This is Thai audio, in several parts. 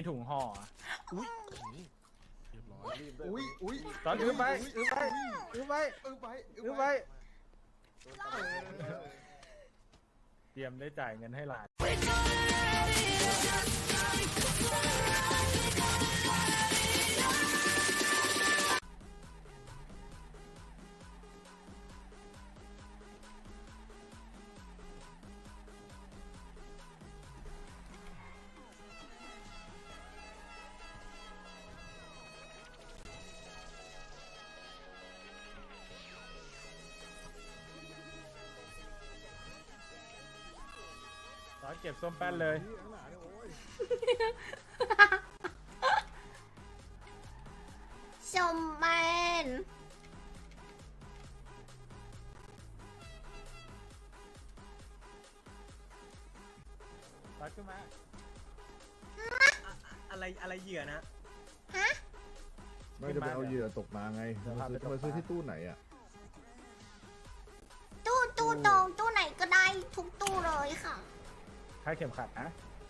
ถุงห่ออุ้ยเรียบร้อยอุ้ยตอนอื้อไปอื้อไปอื้อไปอื้อไปเตรียมได้จ่ายเงินให้หลานตอนเก็บส้มแป้นเลยชมแมนตอนขึ้นมาอะไรเหยื่อนะฮะไม่จะไปเอาเหยื่อตกมาไงมาซื้อที่ตู้ไหนอ่ะตู้ตรงตู้ไหนก็ได้ทุกตู้เลยค่ะค่าเข็มขัดนะ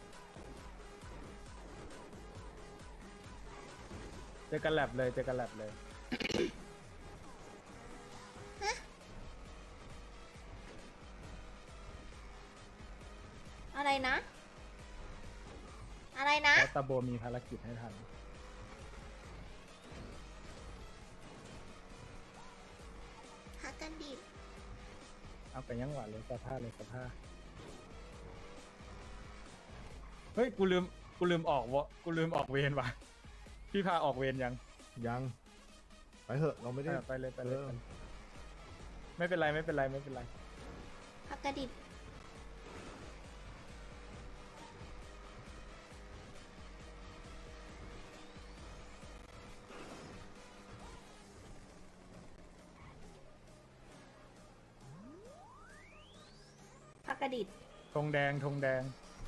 เจอกันแลบเลยเจอกันแลบเลยอะไรนะ อะไรนะแล้วตาโบมีภารกิจให้ทันพักกันดิเอาไปยังหวานเลยสภาพเลยสภาพเฮ้ยกูลืมออกวะกูลืมออกเวรว่ะพี่พาออกเวรยังไปเถอะเราไม่ได้ไปเลยไม่เป็นไรไม่เป็นไรไม่เป็นไรพักกันดิพักกระดิดธงแดงธงแดง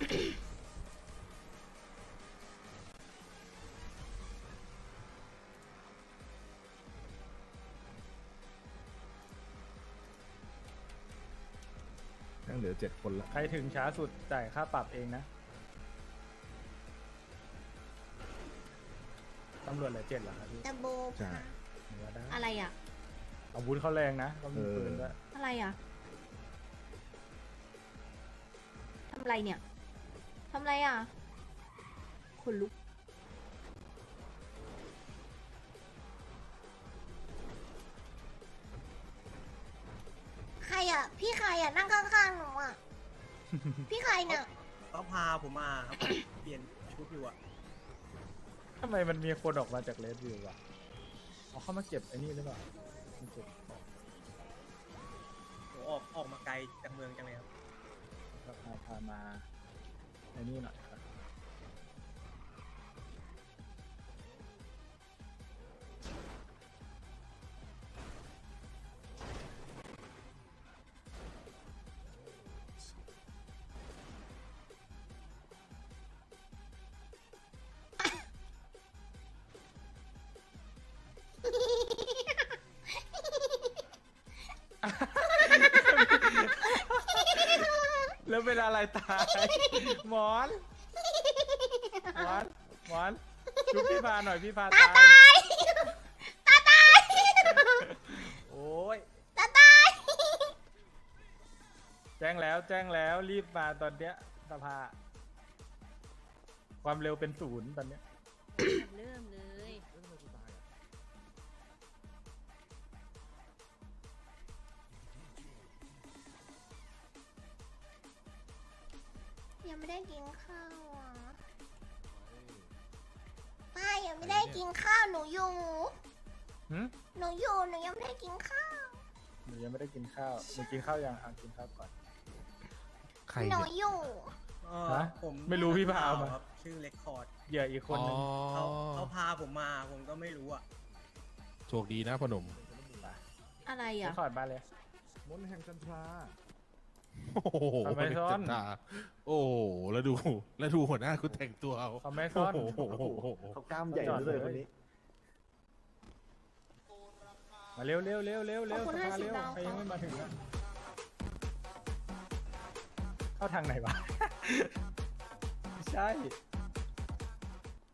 ยังเหลือ7 คนละใครถึงช้าสุดจ่ายค่าปรับเองนะตำรวจเหลือ7เหรอครับพี่ตะโบใช่เหลือได้อะไรอ่ะอาวุธเขาแรงนะเขามีปืนด้วยอะไรอ่ะ ทำอะไรเนี่ย ทำอะไรอ่ะขนลุก ใครอ่ะ พี่ใครอ่ะ นั่งข้างๆหนูอ่ะ พี่ใครเนี่ยเขาพาผมมาครับ เปลี่ยนชุดอยู่อะทำไมมันมีคนออกมาจากเลสวิววะเอาเข้ามาเก็บไอ้นี่หรือเปล่ามาเก็บของผมออกมาไกลจากเมืองจังเลยครับแล้วพามาไอ้นี่หน่อยครับแล้วเป็นอะไรตายหมอนชุบพี่พาหน่อยพี่พาตาย โอ้ยตาตายแจ้งแล้วรีบมาตอนเนี้ยสภาความเร็วเป็น0ตอนเนี้ยเริ่มเลยยังไม่ได้กินข้าวอ่ะป้ายังไม่ได้กินข้าวหนูอยู่หึหนูยังไม่ได้กินข้าวหนูยังไม่ได้กินข้าวหนูกินข้าวยังกินข้าวก่อนใครหนูเนี่ยอยู่ฮะผมไม่รู้พี่พามาครับ ชื่อเรคคอร์ดเหยื่ออีกคนนึงเขาพาผมมา ผมก็ไม่รู้อะโชคดีนะพ่อหนุ่มอะไรไปอ่ะขอดบ้านเลยมนต์แห่งจันทราโอ้โหทำไมซ่อนจัดตาโอ้โหแล้วดูหัวหน้าคุณแต่งตัวเอาเขาไม่ซ่อนโอ้โหเขากล้ามใหญ่เลยคนนี้มาเร็วสภาเร็วขอบคุณ 50 ดาวใครยังไม่มาถึงอะเข้าทางไหนวะ ไม่ใช่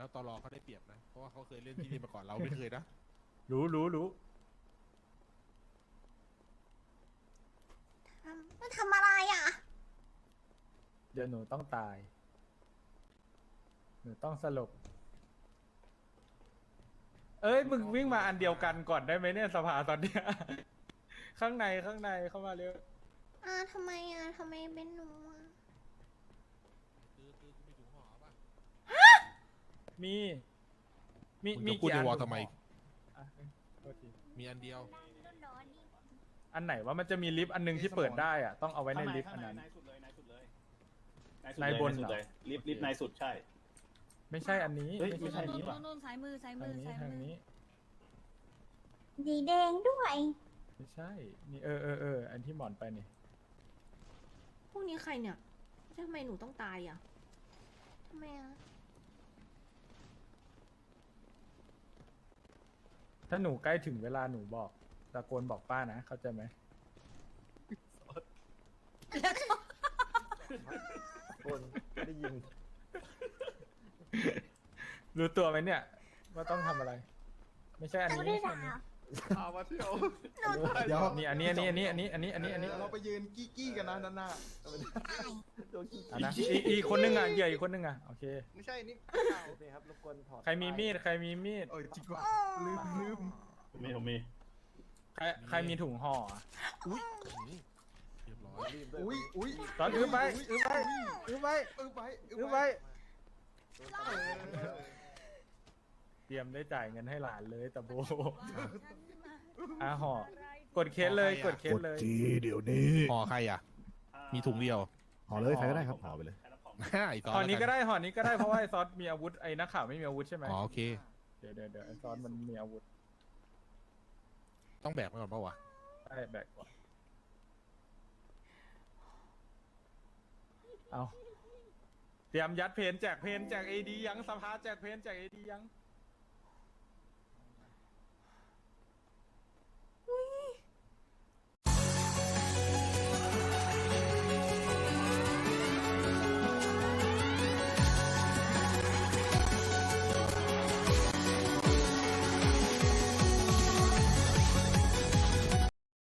แล้วตอรอเขาได้เปรียบนะ เพราะว่าเขาเคยเล่นที่นี่มาก่อนเราไม่เคยนะรู้มันทำอะไรอ่ะเดี๋ยวหนูต้องตาย หนูต้องสลบ เอ้ยมึงวิ่งมาอันเดียวกันก่อนได้ไหมเนี่ยสภาตอนเนี้ย ข้างในเข้ามาเร็วทำไมทำไมเป็นหนูอ่ะคือมีถุงห่อป่ะมีมึงจะพูดในวอลทำไมอ่ะโทษทีมีอันเดียวอันไหนว่ามันจะมีลิฟต์อันนึงที่เปิดได้อ่ะต้องเอาไว้ในลิฟต์อันนั้นนายสุดเลยนายบนสุดเลยลิฟต์นายสุดใช่ไม่ใช่อันนี้เฮ้ยไม่ใช่อันนี้นู่นซ้ายมือทางนี้สีแดงด้วยไม่ใช่นี่อันที่หมอนไปนี่พวกนี้ใครเนี่ยทำไมหนูต้องตายอ่ะทำไมอ่ะถ้าหนูใกล้ถึงเวลาหนูบอกตะโกนบอกป้านะเข้าใจไหมคนได้ยินรู้ตัวไหมเนี่ย ว่าต้องทำอะไร ไม่ใช่อันนี้ไม่ได้ไม่ใช่อันด่านี้พามาเที่ยวเดี๋ยวนี่อันนี้เราไปยืนกี้กันนะด้านหน้าโดนขี้อันนะอีกคนนึงอ่ะเหยื่ออีกคนนึงอ่ะโอเคไม่ใช่นี่นี่ครับรบกวนถอดใครมีมีดใครมีมีดเออจริงว่ะลืมผมมีใครมีถุงห่ออ่ะอุ้ยนี่เรียบร้อยรีบด้วยอุ้ยตอนอื้อไป เตรียมได้จ่ายเงินให้หลานเลยตะโบห่อกดเคสเลยกดเคสเลยเดี๋ยวนี้ห่อใครอ่ะ มีถุงเดียวห่อเลยใครก็ได้ครับห่อไปเลยอีกตอนห่อนี้ก็แล้วได้ห่อนี้ก็ได้เพราะว่าไอซอสมีอาวุธไอนักข่าวไม่มีอาวุธใช่ไหมอ๋อโอเคเดี๋ยวไอซอสมันมีอาวุธต้องแบกมาก่อนปะวะได้แบกก่อนเอาเตรียมยัดเพนแจกเพนแจกเอดียังสภาแจกเพนแจกเอดียัง